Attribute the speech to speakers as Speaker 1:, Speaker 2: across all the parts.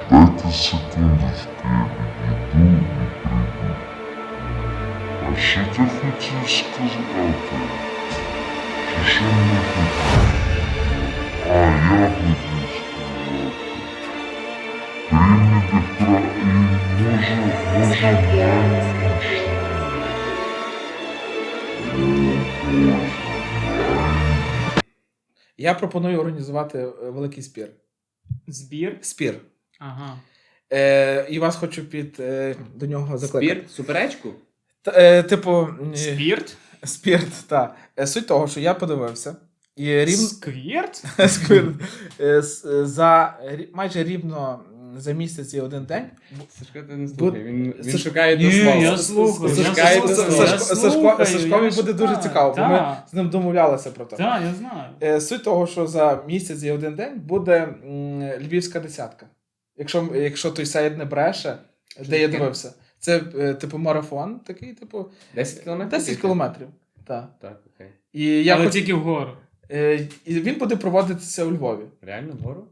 Speaker 1: Дайте секундочку, я підійду і прийду. А що ти хотів сказати? Чи що не хотів? А, я хотів сказати. Приймете і може маємо що?
Speaker 2: Я пропоную організувати великий спір.
Speaker 3: Збір?
Speaker 2: Спір.
Speaker 3: Ага.
Speaker 2: І вас хочу до нього закликати.
Speaker 4: Спір? Суперечку?
Speaker 2: Типу...
Speaker 3: Спірт?
Speaker 2: Спірт, так. Суть того, що я подивився. І
Speaker 3: Сквірт?
Speaker 2: Сквірт. Майже рівно за місяць і один день.
Speaker 4: Сашко, ти не слухай, він
Speaker 2: Саш-
Speaker 4: шукає до
Speaker 3: Ні,
Speaker 4: слова.
Speaker 3: я слухаю.
Speaker 2: Сашкові буде дуже цікаво, бо ми з ним домовлялися про те.
Speaker 3: Так, я знаю.
Speaker 2: Суть того, що за місяць і один день буде львівська десятка. Якщо той сайт не бреше, де я дивився. Це типу марафон такий, типу
Speaker 4: 10 кілометрів?
Speaker 2: 10 кілометрів. Так.
Speaker 4: Так, окей.
Speaker 3: Але тільки вгору.
Speaker 2: І він буде проводитися у Львові.
Speaker 4: Реально вгору?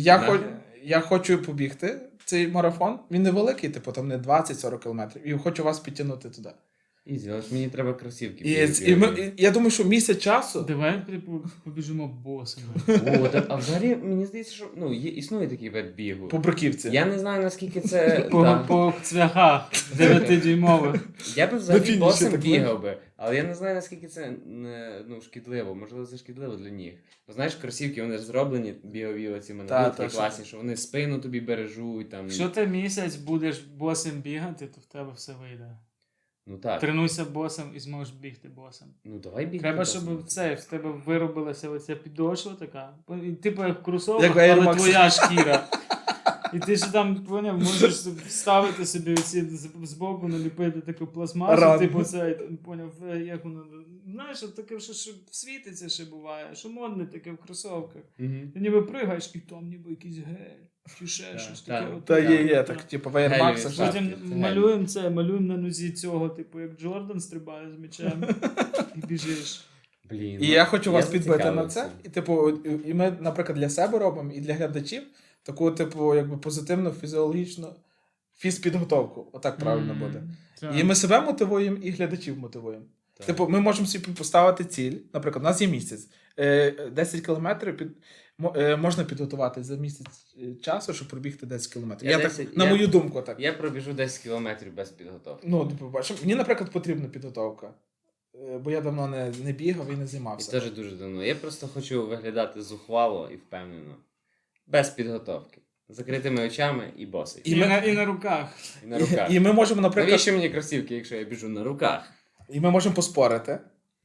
Speaker 2: Я хочу побігти цей марафон. Він невеликий, типу там не 20-40 кілометрів. І хочу вас підтягнути туди.
Speaker 4: Ізі, але ж мені треба кросівки.
Speaker 2: Я думаю, що місяць часу.
Speaker 3: Давай побіжимо босами.
Speaker 4: А взагалі, мені здається, що існує такий вид бігу.
Speaker 2: По бруківці.
Speaker 4: Я не знаю, наскільки це...
Speaker 3: По цвяхах 9-дюймових.
Speaker 4: Я би взагалі
Speaker 2: фініші
Speaker 4: босим
Speaker 2: так
Speaker 4: бігав би, але я не знаю, наскільки це шкідливо. Можливо, це шкідливо для ніг. Бо знаєш, кросівки, вони ж зроблені бігові оці такі класні, що вони спину тобі бережуть. Там...
Speaker 3: Якщо ти місяць будеш босим бігати, то в тебе все вийде.
Speaker 4: Ну так.
Speaker 3: Тренуйся босом і зможеш бігти босом.
Speaker 4: Ну давай бігти.
Speaker 3: Треба,
Speaker 4: босим.
Speaker 3: щоб в тебе виробилася оця підошва така. Типу як кросовок,
Speaker 2: Як
Speaker 3: але
Speaker 2: Air Max.
Speaker 3: твоя шкіра. І ти ж там, поняв, можеш ставити собі оці збоку, наліпити таку пластмасу,
Speaker 2: Ран.
Speaker 3: типу це, поняв, як воно, знаєш, таке, що світиться ще буває, що модне таке в кросовках.
Speaker 4: Мгм.
Speaker 3: Ти ніби пригаєш, і там ніби якийсь гель, чи ще
Speaker 4: Так,
Speaker 3: щось
Speaker 4: так.
Speaker 3: таке.
Speaker 2: Та
Speaker 3: отаке.
Speaker 2: є, так, типу, в Air Max.
Speaker 4: Гелеві
Speaker 2: що-
Speaker 3: Потім
Speaker 4: Це
Speaker 3: малюємо на нозі цього, типу, як Джордан стрибає з м'ячем і біжиш.
Speaker 4: Блін.
Speaker 2: І я хочу вас підбити на
Speaker 4: зацікавився.
Speaker 2: це. І, типу, і ми, наприклад, для себе робимо, і для глядачів таку, типу, якби позитивну фізіологічну фізпідготовку. Отак правильно буде.
Speaker 3: Так.
Speaker 2: І ми себе мотивуємо, і глядачів мотивуємо.
Speaker 4: Так.
Speaker 2: Типу, ми можемо собі поставити ціль. Наприклад, у нас є місяць. 10 кілометрів можна підготувати за місяць часу, щоб пробігти 10 кілометрів. На мою думку, так.
Speaker 4: Я пробіжу 10 кілометрів без підготовки.
Speaker 2: Ну, типу, бачиш, мені, наприклад, потрібна підготовка. Бо я давно не бігав і не
Speaker 4: І
Speaker 2: займався.
Speaker 4: теж дуже давно. Я просто хочу виглядати зухвало і впевнено. Без підготовки. З закритими очами і босий.
Speaker 3: І на руках.
Speaker 4: І на руках.
Speaker 2: І ми можемо, наприклад,
Speaker 4: Навіщо мені кросівки, якщо я біжу на руках?
Speaker 2: і ми можемо поспорити.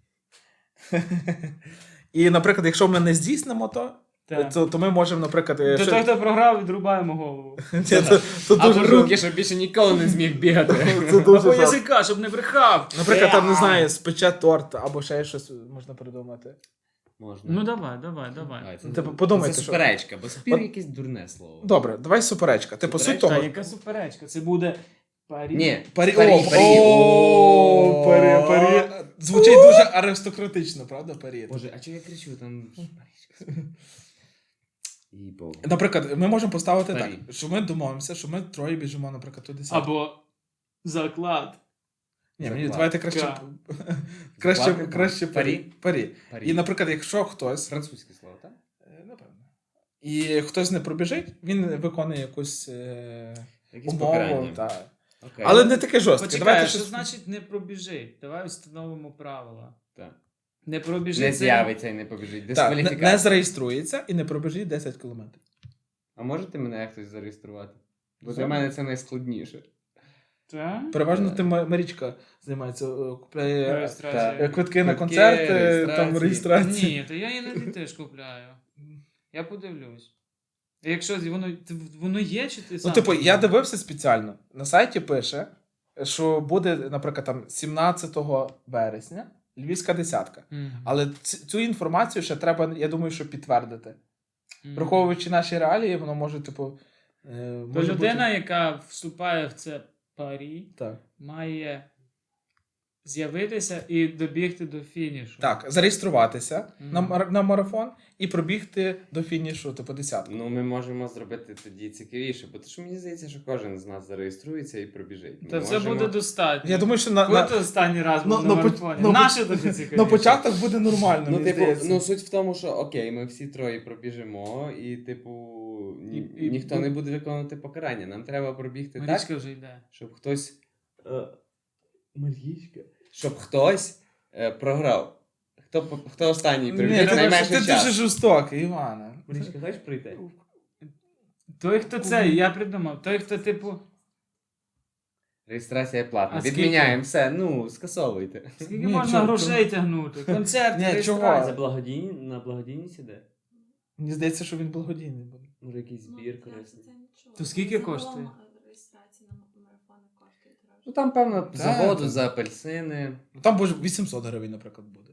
Speaker 2: І, наприклад, якщо ми не здійснимо
Speaker 3: Так.
Speaker 2: то ми можемо, наприклад...
Speaker 3: До того, хто програв, відрубаємо голову.
Speaker 2: то
Speaker 4: Або
Speaker 2: дуже
Speaker 4: руки, щоб більше ніколи не зміг бігати.
Speaker 2: Це дуже
Speaker 3: Або
Speaker 2: жорстко.
Speaker 3: язика, щоб не брехав.
Speaker 2: Наприклад, там, не знаю, спече торт, або ще щось можна придумати.
Speaker 4: Можна.
Speaker 3: Ну давай.
Speaker 4: Давай, це,
Speaker 2: Типу, подумайте,
Speaker 4: це
Speaker 2: що-
Speaker 4: суперечка, бо спір
Speaker 2: От-
Speaker 4: якесь дурне слово.
Speaker 2: Добре, давай суперечка. Типу, суть
Speaker 4: Суперечка,
Speaker 2: того...
Speaker 3: Та яка суперечка? Це буде парі.
Speaker 4: Ні,
Speaker 2: Парі.
Speaker 4: парі.
Speaker 2: О, парі. Звучить дуже аристократично, правда, парі?
Speaker 4: Боже, а чого я кричу? Там парічка. І Богу.
Speaker 2: Наприклад, ми можемо поставити
Speaker 4: Парі.
Speaker 2: так, що ми домовимося, що ми троє біжимо, наприклад, туди сам.
Speaker 3: Або заклад.
Speaker 2: Ні, мені
Speaker 4: Заклад.
Speaker 2: давайте краще...
Speaker 3: Ка.
Speaker 2: краще парі. Парі.
Speaker 4: Парі.
Speaker 2: І, наприклад, якщо хтось...
Speaker 4: Французьке слово, так?
Speaker 2: Напевно. І хтось не пробіжить, він виконує якусь
Speaker 4: Якісь
Speaker 2: умову.
Speaker 4: покарання.
Speaker 2: Та.
Speaker 4: Окей.
Speaker 2: Але не таке жорстке.
Speaker 3: Почекай,
Speaker 2: Давайте
Speaker 3: що
Speaker 2: щось...
Speaker 3: значить не пробіжить? Давай встановимо правила.
Speaker 4: Так.
Speaker 3: Не пробіжить.
Speaker 4: Не
Speaker 3: це-
Speaker 4: з'явиться і не побіжить.
Speaker 2: Так, не
Speaker 4: Дискваліфікація.
Speaker 2: зареєструється і не пробіжить 10 кілометрів.
Speaker 4: А можете мене хтось зареєструвати? Бо для
Speaker 2: Зараз.
Speaker 4: мене це найскладніше.
Speaker 3: Так?
Speaker 2: Переважно
Speaker 4: Так.
Speaker 2: ти Марічка займається, купляє
Speaker 3: Реєстрація.
Speaker 2: квитки на
Speaker 4: Квитки,
Speaker 2: концерти, там
Speaker 4: реєстрації.
Speaker 2: реєстрації.
Speaker 3: Ні, то я іноді теж купляю. Я подивлюсь. Якщо воно є, чи ти
Speaker 2: Ну,
Speaker 3: сам?
Speaker 2: типу, я дивився спеціально. На сайті пише, що буде, наприклад, там 17 вересня Львівська десятка.
Speaker 3: Мгм.
Speaker 2: Але цю інформацію ще треба, я думаю, що підтвердити.
Speaker 3: Мгм.
Speaker 2: Враховуючи наші реалії, воно може, типу.
Speaker 3: То людина, яка вступає в це парі,
Speaker 2: Так.
Speaker 3: має з'явитися і добігти до фінішу.
Speaker 2: Так, зареєструватися
Speaker 3: Мгм.
Speaker 2: на марафон і пробігти до фінішу, типу, десятку.
Speaker 4: Ну, ми можемо зробити тоді цікавіше, бо то що мені здається, що кожен з нас зареєструється і пробіжить. Ми
Speaker 3: Та це
Speaker 4: можемо-
Speaker 3: буде достатньо.
Speaker 2: Я думаю, що на
Speaker 3: Коли ти останній раз був на марафоні? Наше таке цікавіше.
Speaker 2: на початок буде нормально,
Speaker 4: Ну,
Speaker 2: мені
Speaker 4: типу,
Speaker 2: здається.
Speaker 4: ну суть в тому, що окей, ми всі троє пробіжимо, і, типу,
Speaker 3: І-
Speaker 4: ніхто не буде виконувати покарання. Нам треба пробігти так,
Speaker 3: Марічка вже йде.
Speaker 4: щоб хтось. Марічка. Щоб хтось програв. Хто останній
Speaker 2: Ні,
Speaker 4: прибіг
Speaker 2: ти
Speaker 4: найменший
Speaker 2: дуже
Speaker 4: час.
Speaker 2: жорстокий, Івана.
Speaker 4: Марічка, хочеш прийти?
Speaker 3: Той, хто це, я придумав. Той, хто, типу,
Speaker 4: Реєстрація платна.
Speaker 3: А скільки?
Speaker 4: Відміняємо все, ну, скасовуйте.
Speaker 3: скільки
Speaker 2: Ні,
Speaker 3: можна
Speaker 2: чого-
Speaker 3: грошей тягнути? Концерт,
Speaker 2: Ні, чого?
Speaker 3: реєстрація.
Speaker 4: На благодійність іде?
Speaker 2: Мені здається, що він благодійний буде.
Speaker 4: Може, якийсь збір корисний.
Speaker 3: То скільки коштує?
Speaker 5: Реєстрація на марафони коштує дорожче.
Speaker 4: Ну там, певно, за
Speaker 2: Так,
Speaker 4: воду,
Speaker 2: так.
Speaker 4: за апельсини.
Speaker 2: Ну, там буде 800 гривень, наприклад, буде.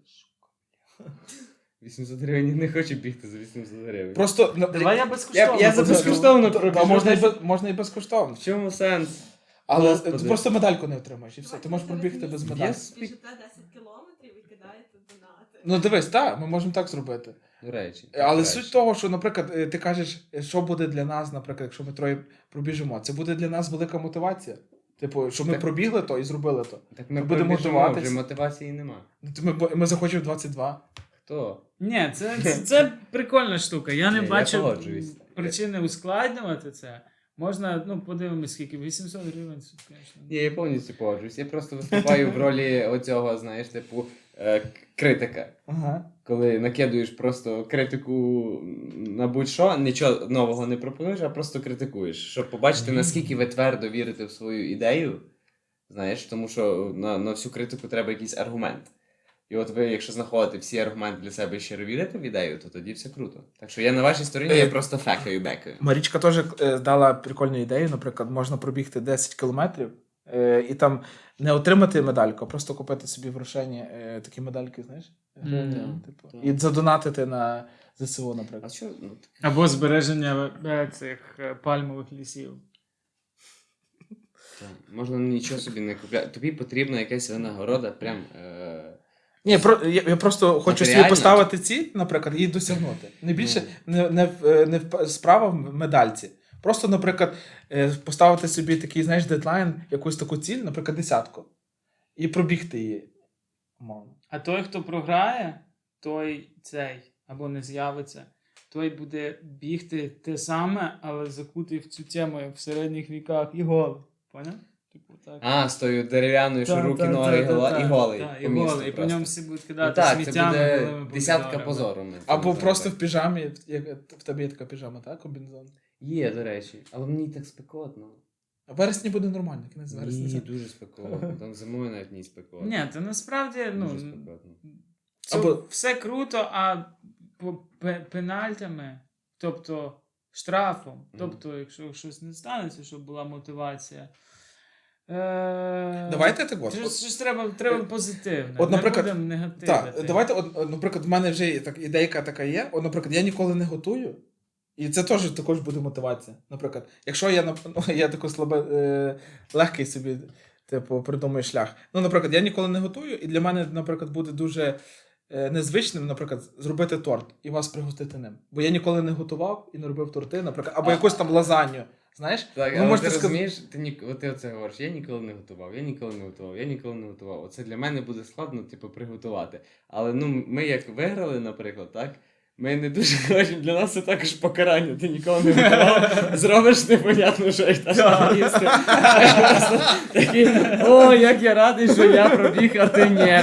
Speaker 4: 800 гривень не хочу бігти за 800 гривень.
Speaker 2: Просто
Speaker 3: Давай я безкоштовно.
Speaker 4: Я за
Speaker 3: буду.
Speaker 4: безкоштовно
Speaker 2: Та
Speaker 4: пробіжу.
Speaker 2: можна і безкоштовно.
Speaker 4: В чому сенс?
Speaker 2: Але
Speaker 4: Господи.
Speaker 2: ти просто медальку не отримаєш і все. Ти можеш пробігти без медалі.
Speaker 4: Yes.
Speaker 5: Біжите 10 кілометрів і кидаєте донати.
Speaker 2: Ну дивись, так, ми можемо так зробити.
Speaker 4: До речі.
Speaker 2: Але
Speaker 4: краще.
Speaker 2: суть того, що, наприклад, ти кажеш, що буде для нас, наприклад, якщо ми троє пробіжимо, це буде для нас велика мотивація. Типу, що ми
Speaker 4: Так.
Speaker 2: пробігли то і зробили то.
Speaker 4: Так ми
Speaker 2: будемо
Speaker 4: пробіжимо,
Speaker 2: мотивуватись.
Speaker 4: вже мотивації нема.
Speaker 2: Ми захочемо 22.
Speaker 4: Хто?
Speaker 3: Ні, це прикольна штука. Я не
Speaker 4: Ні, я
Speaker 3: бачу
Speaker 4: погоджуюсь.
Speaker 3: причини ускладнювати це. Можна, ну, подивимось, скільки 800 гривень, це, звісно.
Speaker 4: Ні, я повністю погоджуюсь. Я просто виступаю в ролі оцього, знаєш, типу, критика.
Speaker 2: Ага.
Speaker 4: Коли накидуєш просто критику на будь-що, нічого нового не пропонуєш, а просто критикуєш. Щоб побачити, наскільки ви твердо вірите в свою ідею. Знаєш, тому що на всю критику треба якийсь аргумент. І от ви, якщо знаходите всі аргументи для себе і щиро вірите в ідею, то тоді все круто. Так що я на вашій стороні, я просто фекаю-бекаю.
Speaker 2: Марічка теж дала прикольну ідею, наприклад, можна пробігти 10 кілометрів і там не отримати медальку, а просто купити собі в Рошені такі медальки, знаєш? Типу,
Speaker 4: так.
Speaker 2: і задонатити на ЗСУ,
Speaker 4: А
Speaker 2: наприклад.
Speaker 4: що? Ну,
Speaker 3: Або збереження цих пальмових лісів.
Speaker 4: можна нічого собі не купляти. Тобі потрібна якась винагорода, прям.
Speaker 2: Ні, я просто хочу собі
Speaker 4: Матеріально?
Speaker 2: поставити ціль, наприклад, і досягнути. Не більше не справа в медальці. Просто, наприклад, поставити собі такий, знаєш, дедлайн, якусь таку ціль, наприклад, 10. І пробігти її. Умовно.
Speaker 3: А той, хто програє, той цей, або не з'явиться, той буде бігти те саме, але закутий в цю тему, як в середніх віках, і голий. Поняв? Типу так.
Speaker 4: А, з тою дерев'яною, що
Speaker 3: Та,
Speaker 4: руки,
Speaker 3: та,
Speaker 4: ноги
Speaker 3: та, та,
Speaker 4: і голий.
Speaker 3: та,
Speaker 4: по
Speaker 3: і
Speaker 4: місту
Speaker 3: голий. І по
Speaker 4: просто.
Speaker 3: ньому всі будуть
Speaker 4: Ну
Speaker 3: кидати
Speaker 4: так, це
Speaker 3: сміттями.
Speaker 4: буде
Speaker 3: голими
Speaker 4: десятка
Speaker 3: помідорами.
Speaker 4: позору. ми це
Speaker 2: Або
Speaker 4: зробимо.
Speaker 2: просто в піжамі, як в тебе є така піжама, так? Комбінезон.
Speaker 4: Є, до речі. Але мені так спекотно.
Speaker 2: А в вересні буде нормально, кінець вересня.
Speaker 4: Ні, дуже спекотно. Там зимою навіть не спекотно.
Speaker 3: Ні, це насправді, ну,
Speaker 4: Дуже спекотно.
Speaker 3: це
Speaker 2: Або-
Speaker 3: все круто, а по пенальтями, тобто штрафом, тобто, якщо щось не станеться, щоб була мотивація.
Speaker 2: Давайте так от.
Speaker 3: Щось треба позитивне.
Speaker 2: От, наприклад,
Speaker 3: не будемо негативити.
Speaker 2: Так, давайте, наприклад, в мене вже ідейка така є. От, наприклад, я ніколи не готую. І це також буде мотивація. Наприклад, якщо я тако легкий собі, типу, придумаю шлях. Ну, наприклад, я ніколи не готую, і для мене, наприклад, буде дуже незвичним, наприклад, зробити торт і вас пригостити ним. Бо я ніколи не готував і не робив торти, наприклад, або якусь там лазанью. Знаєш?
Speaker 4: Так,
Speaker 2: Ви
Speaker 4: але
Speaker 2: можете
Speaker 4: ти
Speaker 2: сказати-
Speaker 4: розумієш, ти оце говориш, я ніколи не готував, я ніколи не готував. Оце для мене буде складно, типу, приготувати. Але ну, ми як виграли, наприклад, так? Ми не дуже хочемо, для нас це також покарання. Ти ніколи не готував, зробиш непонятно, що і так їсти. Такий, о, як я радий, що я пробіг, а ти ні.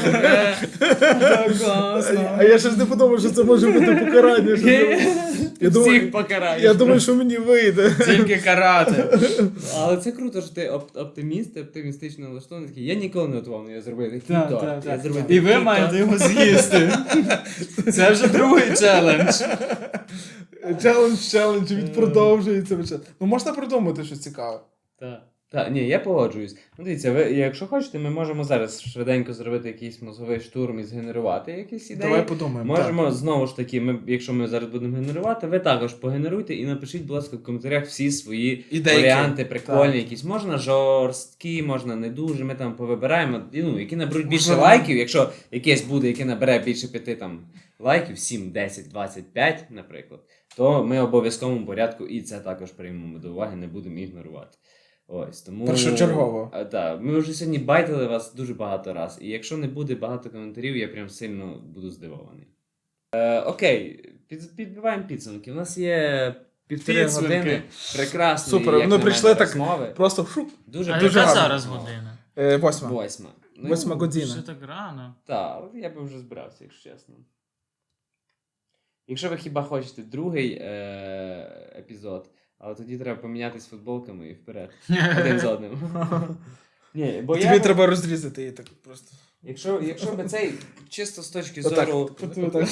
Speaker 2: А я ще ж не подумав, що це може бути покарання.
Speaker 4: Всіх покараєш.
Speaker 2: що мені вийде.
Speaker 3: Тільки карати.
Speaker 4: Але це круто, що ти оптиміст, ти оптимістично налаштований, такий, я ніколи не готував, але я зробив такий
Speaker 3: Так,
Speaker 4: торт.
Speaker 3: так,
Speaker 4: Я
Speaker 3: так.
Speaker 4: зробив
Speaker 3: І ви
Speaker 4: такий
Speaker 3: маєте
Speaker 4: торт.
Speaker 3: його з'їсти. Це вже другий челендж.
Speaker 2: Челендж, він продовжується. Ну можна придумати щось цікаве.
Speaker 3: Так.
Speaker 4: Так, ні, я погоджуюсь. Ну, дивіться, ви, якщо хочете, ми можемо зараз швиденько зробити якийсь мозговий штурм і згенерувати якісь ідеї.
Speaker 2: Давай подумаємо.
Speaker 4: Можемо знову ж таки, якщо ми зараз будемо генерувати, ви також погенеруйте і напишіть, будь ласка, в коментарях всі свої
Speaker 2: Ідейки.
Speaker 4: варіанти прикольні,
Speaker 2: Так.
Speaker 4: якісь. Можна жорсткі, можна не дуже. Ми там повибираємо, ну, які наберуть більше
Speaker 2: Можливо.
Speaker 4: лайків. Якщо якесь буде, яке набере більше 5 там, лайків, 7, 10, 25, наприклад, то ми в обов'язковому порядку і це також приймемо до уваги, не будемо ігнорувати. Ось, тому...
Speaker 2: Першочергово.
Speaker 4: Так, ми вже сьогодні байтили вас дуже багато раз. І якщо не буде багато коментарів, я прям сильно буду здивований. Окей, підбиваємо підсумки. У нас є 1,5
Speaker 3: Підсумки.
Speaker 4: години. Прекрасні,
Speaker 2: Супер,
Speaker 4: як
Speaker 2: вони
Speaker 4: на
Speaker 2: прийшли
Speaker 4: мене,
Speaker 2: так
Speaker 4: розмови.
Speaker 2: Просто шук.
Speaker 4: Дуже
Speaker 3: А
Speaker 2: дуже
Speaker 3: яка
Speaker 2: гарно.
Speaker 3: зараз година?
Speaker 2: 8.
Speaker 4: 8.
Speaker 2: 8 година.
Speaker 3: Що так рано?
Speaker 4: Так, я би вже збирався, якщо чесно. Якщо ви хіба хочете другий епізод, але тоді треба помінятись футболками і вперед. Один з одним. Ні, бо
Speaker 2: Тобі треба розрізати її так просто.
Speaker 4: Якщо би цей чисто з точки
Speaker 2: Отак.
Speaker 4: зору.
Speaker 2: Отак.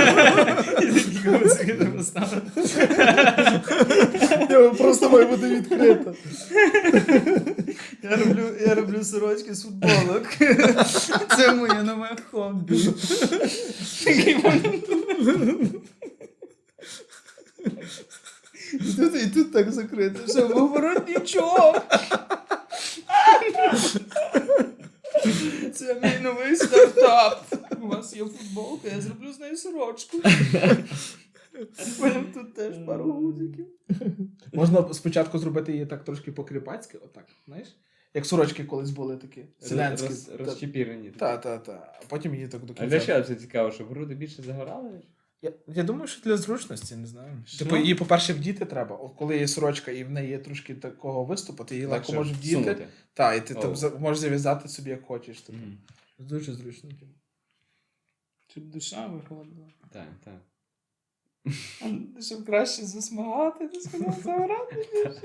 Speaker 2: Просто має бути відкрито.
Speaker 3: Я роблю сорочки з футболок. Це моє нове хобі. І тут так закрито, що говорить нічого. Це мій новий стартап. У вас є футболка, я зроблю з нею сорочку. Потім тут теж пару гудзиків.
Speaker 2: Можна спочатку зробити її так трошки по-кріпацьки, отак, знаєш? Як сорочки колись були такі. Селянські.
Speaker 4: Розчепірені.
Speaker 2: Та. А потім її так до
Speaker 4: А
Speaker 2: кінця.
Speaker 4: для чого це цікаво, щоб груди більше загорали?
Speaker 2: Я думаю, що для зручності, не знаю.
Speaker 4: Що?
Speaker 2: Типу, її, по-перше, вдіти треба. От коли є сорочка і в неї є трошки такого виступу, ти її легко
Speaker 4: Легше
Speaker 2: можеш вдіти.
Speaker 4: всунути.
Speaker 2: Так, і ти
Speaker 4: О.
Speaker 2: там можеш зав'язати собі як хочеш. Типу.
Speaker 4: Мгм.
Speaker 2: Дуже зручно.
Speaker 3: Щоб душа виходила.
Speaker 4: Так, так.
Speaker 3: Щоб краще засмагати, ти сказав, загорати більше.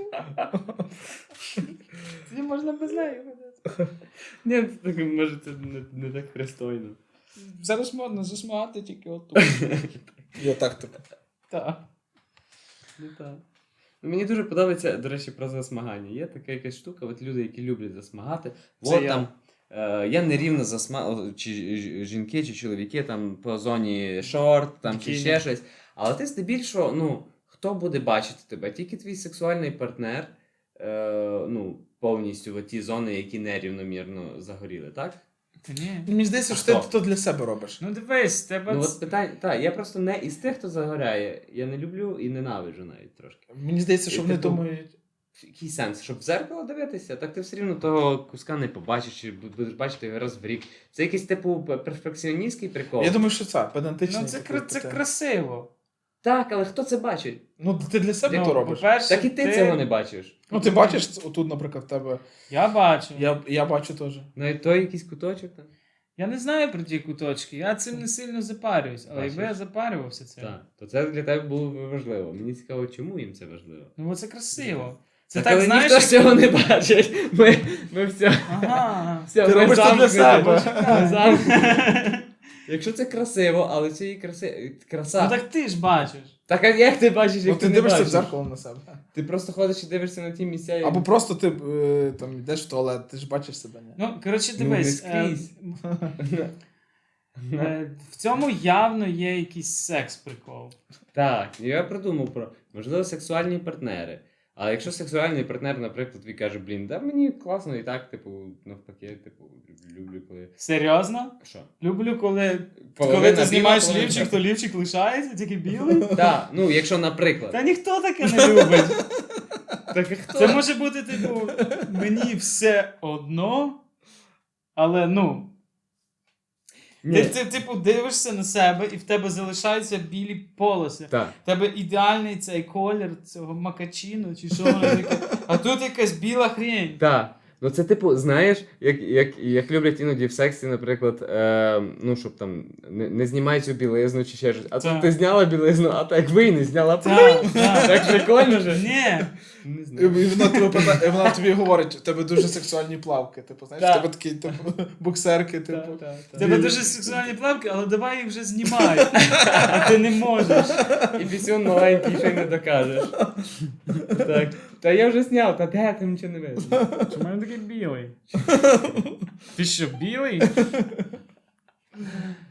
Speaker 3: Тоді можна без неї ходити.
Speaker 4: Ні, так, може це не так пристойно.
Speaker 3: Зараз модно засмагати тільки отут.
Speaker 2: І отак типу.
Speaker 3: Так.
Speaker 4: Ну, так. Ну, мені дуже подобається, до речі, про засмагання. Є така якась штука, от люди, які люблять засмагати.
Speaker 3: Це
Speaker 4: От
Speaker 3: я.
Speaker 4: там я нерівно чи жінки, чи чоловіки там по зоні шорт, там чи
Speaker 3: Бікіні.
Speaker 4: ще щось. Але ти здебільшого, ну, хто буде бачити тебе? Тільки твій сексуальний партнер, ну, повністю в ті зони, які нерівномірно загоріли, так?
Speaker 3: Та ні.
Speaker 2: Мені здається,
Speaker 4: А
Speaker 2: що ти
Speaker 4: хто?
Speaker 2: то для себе робиш.
Speaker 3: Ну дивись, тебе
Speaker 4: Ну, от питання, так, я просто не із тих, хто загоряє. Я не люблю і ненавиджу навіть трошки.
Speaker 2: Мені здається, що
Speaker 4: І
Speaker 2: вони
Speaker 4: типу,
Speaker 2: думають.
Speaker 4: Який сенс? Щоб в зеркало дивитися, так ти все рівно того куска не побачиш, чи будеш бачити його раз в рік. Це якийсь типу перфекціоністський прикол.
Speaker 2: Я думаю, що це педантичний.
Speaker 3: ну це
Speaker 2: такий
Speaker 3: це
Speaker 2: питання.
Speaker 3: красиво.
Speaker 4: Так, але хто це бачить?
Speaker 2: Ну, ти для себе
Speaker 3: Ну,
Speaker 2: то робиш.
Speaker 3: по-перше,
Speaker 4: Так і ти цього не бачиш.
Speaker 2: Ну, ти бачиш, отут, наприклад, в тебе.
Speaker 3: Я бачу.
Speaker 2: Я бачу теж.
Speaker 4: Навіть той якийсь куточок там.
Speaker 3: Я не знаю про ті куточки, я цим не сильно запарююсь, але
Speaker 4: Бачиш?
Speaker 3: якби я запарювався цим.
Speaker 4: Так. То це для тебе було б важливо. Мені цікаво, чому їм це важливо.
Speaker 3: Ну бо це красиво. Це
Speaker 4: Так,
Speaker 3: так,
Speaker 4: але
Speaker 3: знаєш.
Speaker 4: ніхто ж цього не бачить. Ми все.
Speaker 3: Ага.
Speaker 4: Все,
Speaker 2: Ти
Speaker 4: ми
Speaker 2: робиш це для
Speaker 4: замкнуті.
Speaker 2: себе.
Speaker 4: Ми замкнуті. Якщо це красиво, але це і краса.
Speaker 3: Ну так ти ж бачиш.
Speaker 4: Так а як ти бачиш,
Speaker 2: Ну,
Speaker 4: як
Speaker 2: ти
Speaker 4: не
Speaker 2: дивишся в
Speaker 4: бачиш?
Speaker 2: зеркало на себе.
Speaker 4: Ти просто ходиш і дивишся на ті місця. і-
Speaker 2: Або просто ти там йдеш в туалет, ти ж бачиш себе, ні?
Speaker 3: Ну, коротше,
Speaker 4: Ну, не
Speaker 3: дивись.
Speaker 4: скрізь.
Speaker 3: В цьому явно є якийсь секс-прикол.
Speaker 4: Так, я придумав про, можливо, сексуальні партнери. Але якщо сексуальний партнер, наприклад, тобі каже, блін, да мені класно і так, типу, навпаки, типу, люблю, коли.
Speaker 3: Серйозно?
Speaker 4: Що?
Speaker 3: Люблю, коли
Speaker 4: Половина
Speaker 3: ти знімаєш
Speaker 4: біла, половина
Speaker 3: лівчик, то лівчик лишається, тільки білий.
Speaker 4: Так, ну, якщо, наприклад.
Speaker 3: Та ніхто таке не любить.
Speaker 4: Так а хто?
Speaker 3: Це може бути, типу, мені все одно, але ну.
Speaker 4: Ні.
Speaker 3: Ти, типу, дивишся на себе і в тебе залишаються білі полоси.
Speaker 4: Так.
Speaker 3: В тебе ідеальний цей колір цього макачіно чи що воно таке. А тут якась біла хрень.
Speaker 4: Так. Ну це типу, знаєш, як люблять іноді в сексі, наприклад, ну, щоб там не знімай цю білизну чи ще щось. А
Speaker 3: Так.
Speaker 4: тут ти зняла білизну, а так ви і не зняла.
Speaker 3: Так, так.
Speaker 4: Так прикольно же.
Speaker 3: Ні,
Speaker 4: Не
Speaker 2: І
Speaker 4: знаю.
Speaker 2: вона тобі говорить, у тебе дуже сексуальні плавки. Типу, знаєш,
Speaker 3: Так.
Speaker 2: в тебе такі буксерки, типу.
Speaker 3: В тебе дуже сексуальні плавки, але давай їх вже знімай. А ти не можеш.
Speaker 4: І пісюн маленький ще й не докажеш. Так. Та я вже зняв, та де там нічого не видно.
Speaker 3: Чому він такий білий? Ти що, білий?